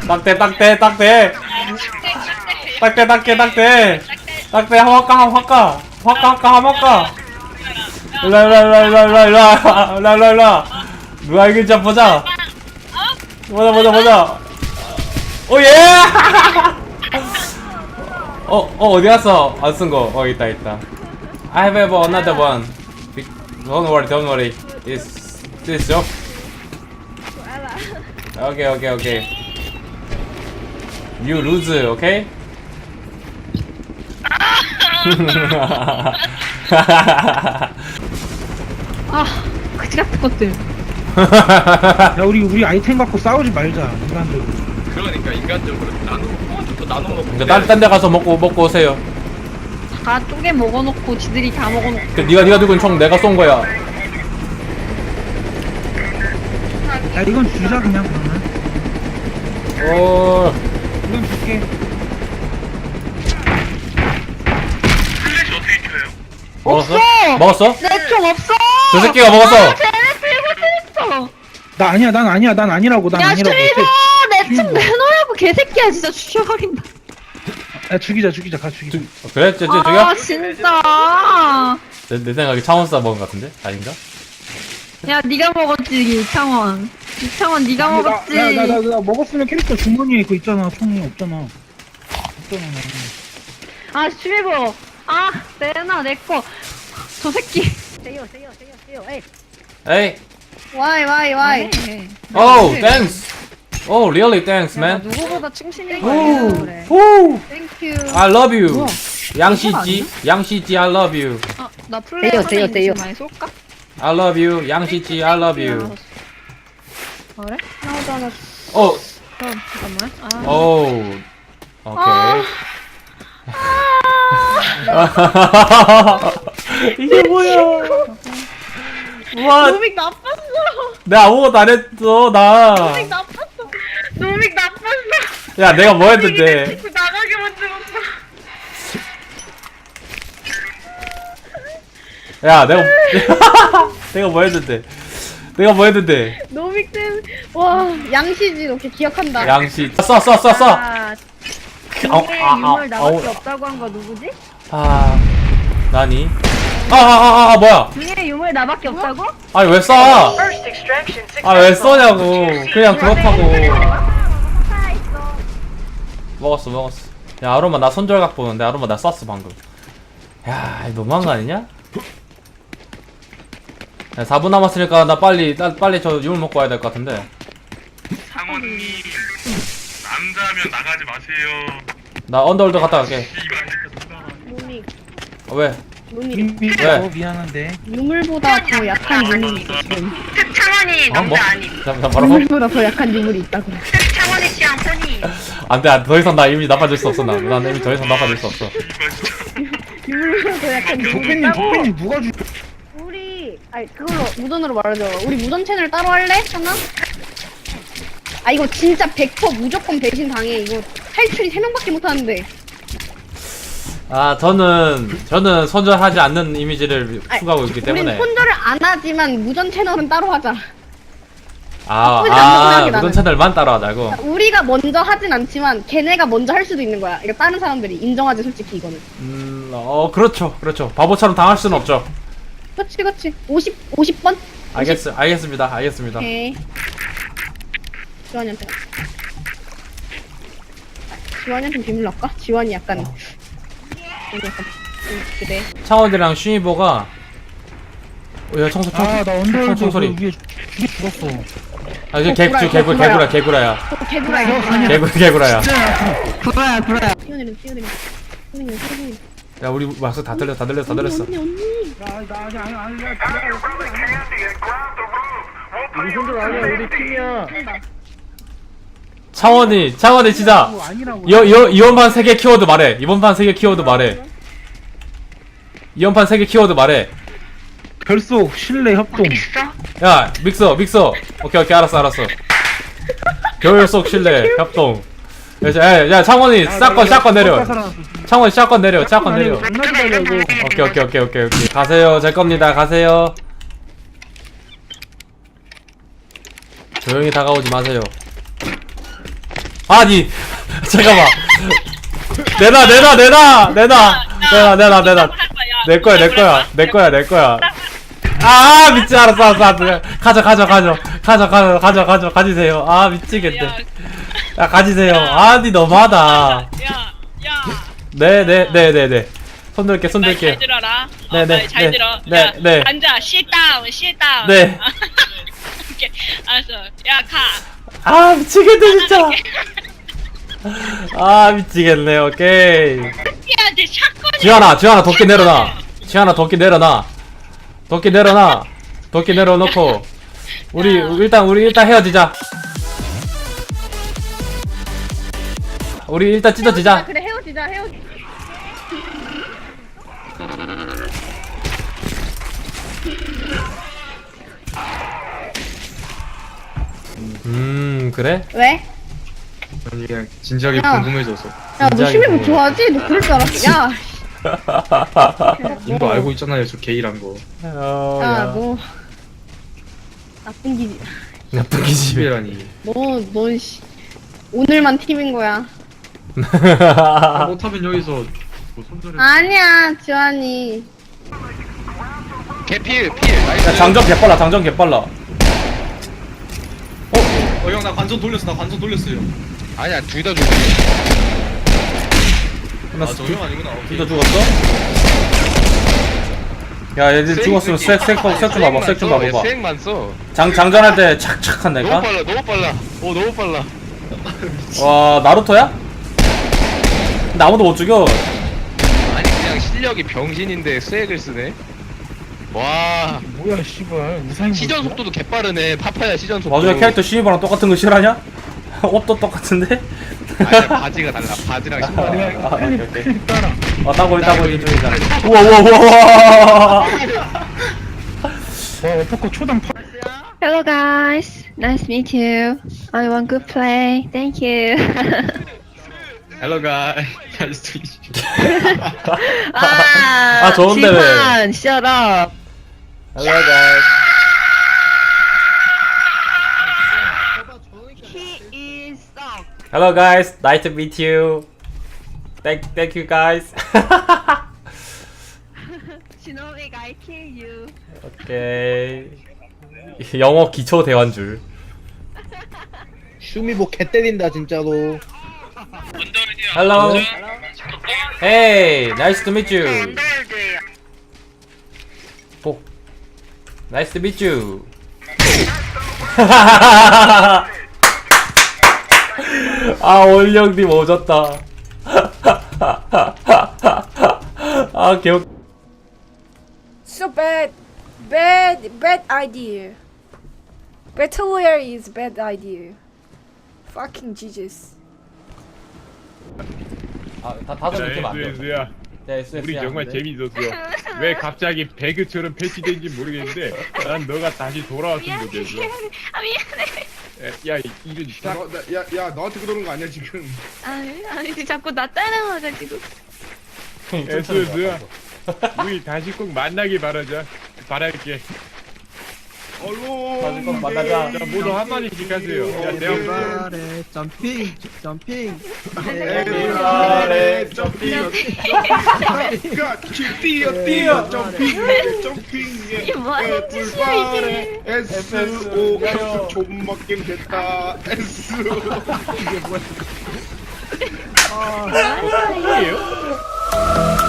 딱대 딱대 딱대 딱대 딱대 딱대 딱대 화까 일라 누가 이길지 보자 오예 어디 갔어 안 쓴 거 있다 I have another one don't worry this job okay you lose okay 아, 그지 같은 것들. 야 우리 아이템 갖고 싸우지 말자 인간들. 그러니까 인간적으로 나눠 먹고. 그러니까 딴데 가서 먹고 오세요. 다 쪼개 먹어놓고 지들이 다 먹어놓고. 그 네가 들고 있는 총 내가 쏜 거야. 야 이건 주자 그냥 그러면. 이건 줄게. 먹었어? 내 총 없어! 저 새끼가 먹었어. 쟤네 들고 있어! 난 아니라고 난 야, 아니라고. 슈리버! 내 총 내놓으라고 개새끼야, 진짜 죽여버린다. 야 죽이자 가 죽이자. 그래? 저기야? 아, 진짜. 내 생각에 차원사 먹은 것 같은데? 아닌가? 야, 네가 먹었지, 이창원. 이창원, 네가 먹었지. 나 먹었으면 캐릭터 주머니에 그거 있잖아. 총이 없잖아. 아, 슈리버. 아, 내놔, 내 거. 저 새끼. 세요. 에이. 에이. Why? Oh, thanks. Oh, really thanks, man. 누구보다 충실히 오, 그래. 오. Thank you. I love you. 뭐야? 양시지, I love you. 아, 나 플레이어 세요. 지금 많이 쏠까? I love you. 양시지, I love you. 그래? 하나도 안 왔어. 어, 그럼 잠깐만. 아. 오. 오케이. 이게 뭐야? 와, 노믹 나빴어. 내가 아무것도 안 했어, 나. 노믹 나빴어. 노믹 나빴어. 야, 내가 뭐 했는데? 자꾸 나가게 만들었어. 야, 내가 뭐 했는데? 노믹 땐, 와, 양시지, 이렇게 기억한다. 양시, 써. 아, 중에 유물 나밖에 없다고 한 거 누구지? 나니? 뭐야? 중에 유물 나밖에 없다고? 아니, 왜 써? 왜 써냐고. 그냥 그렇다고. 살아있어. 먹었어. 야, 아로마 나 손절각 보는데, 아로마 나 쐈어, 방금. 야, 이거 너무한 거 아니냐? 야, 4분 남았으니까 나 빨리 저 유물 먹고 와야 될 것 같은데. 상원님 남자면 나가지 마세요. 나 언더월드 갔다 갈게. 노믹, 왜? 노믹. 왜? 미안한데. 유물보다 더 약한 유물이 있어, 지금. 창원이 어? 뭐? 나 뭐라고? 유물보다 더 약한 유물이 있다고. 창원이 취향 폰이. 안 돼, 더 이상 나 이미 나빠질 수 없어, 난 이미 더 이상 나빠질 수 없어. 유물보다 더 약한 유물이 있다고. 독배님 누가 주? 우리, 그걸로, 무전으로 말하자. 우리 무전 채널 따로 할래? 하나? 이거 진짜 100% 무조건 배신 당해. 이거 탈출이 3명밖에 못 하는데. 저는 손절하지 않는 이미지를 추구하고 있기 우린 때문에. 손절을 안 하지만 무전 채널은 따로 하자. 무전 나는. 채널만 따로 하자고. 우리가 먼저 하진 않지만 걔네가 먼저 할 수도 있는 거야. 이거 다른 사람들이 인정하지 솔직히 이거는. 그렇죠. 바보처럼 당할 수는 없죠. 그렇지. 50번? 알겠습니다. 오케이. 지원이한테. 지원이한테 비밀 넣을까? 지원이 약간. 그래. 창원이랑 슈이보가 야, 청소. 나 언더월드 총소리. 위에 죽었어. 이제 개구라야. 개구라야. 개구라야. 구라야. 뛰어내려. 야, 우리 막상 다 들렸어. 언니. 우리 손들 아니야 우리 팀이야. 창원이 진짜 아니라고. 이번 판 3개 키워드 말해. 이번 판 3개 키워드 말해. 결속 신뢰 협동. 야, 믹서. 오케이, 알았어. 결속 신뢰 협동. 야, 창원이 샷건 내려. 창원이 샷건 내려. 오케이. 가세요. 제 겁니다. 가세요. 조용히 다가오지 마세요. 아니 잠깐만. 내놔. 내 거야. 아 미치 알았어. 가지세요. 아 미치겠네. 야 가지세요. 아니 너무하다. 네. 손들게. 잘 들어라. 네. 잘 들어. 네, 야, 네. 앉아. sit down. 네. 오케이. 알았어. 야, 가. 아 미치겠네 진짜. 아 미치겠네. 오케이. 새끼한테 샷건이. 지환아 도끼 내려놔. 도끼 내려놓고 우리 일단 헤어지자. 우리 일단 찢어지자. 그래 헤어지자. 그래? 왜? 아니 그냥 진지하게 야. 궁금해져서. 야 너 진작에 심해보 뭐. 좋아하지? 너 그럴 줄 알았어. 야. 님도 알고 있잖아요 저 게이란 거. 야, 너 나쁜 기지. 나쁜 기집애. 게이라니. 너 씨. 오늘만 팀인 거야. 못하면 여기서 뭐 손절해. 아니야, 지환이. 개필 나이스. 야, 장전 개빨라. 형 나 관전 돌렸어요. 아니야 둘 다 죽었어. 저 형 아니구나. 둘다 죽었어? 야 얘들 죽었으면 색 좀 봐봐. 스웩만 써. 장전할 때 착착 너무 한다니까? 빨라. 너무 빨라. 와 나루토야? 근데 아무도 못 죽여. 아니 그냥 실력이 병신인데 스웩을 쓰네. 와 뭐야 씨발 우상이 시전 속도도 개빠르네. 파파야 시전 속도. 마주에 캐릭터 신입이랑 똑같은 거 실하냐? 옷도 똑같은데? 아니야 바지가 달라. 바지랑 신발이. 오케이. 따라. 따고 이쪽이다. 우와. 와 어퍼컷 초당 파. Hello guys, nice to meet you. I want good play. Thank you. Hello guys. Nice to meet you. 아, 좋은데 왜? 지환, shut up. Hello guys. He is suck. Hello guys. Nice to meet you. Thank you guys. Shinobi, I kill you. 오케이. 영어 기초 대화인 줄. 슈미보 개 때린다 진짜로. Hello. Hey, nice to meet you. 오. Nice to meet you. 아, 올영님 오졌다. 아, 개웃. So bad idea. Battle Royale is bad idea. Fucking Jesus. 아, 다들 이렇게 만들어. 네, 우리 정말 재밌었어. 왜 갑자기 배그처럼 패치된지 모르겠는데 난 너가 다시 돌아왔으면 좋겠어. 아, 미안해. 야 이런 딱 야 너한테 그러는 거 아니야 지금? 아니, 자꾸 나 따라와가지고. 에스에스 우리 다시 꼭 만나길 바랄게. 다시 꼭 만나자. 자 모두 한마디씩 하세요. 야 내가 점핑 점핑. 에브리바디 점핑. 뛰어 점핑 점핑. 이게 뭐 하는 짓이야, 이게. SO 가서 존맛 게임 됐다. S. 이게 뭐야? 뭐예요?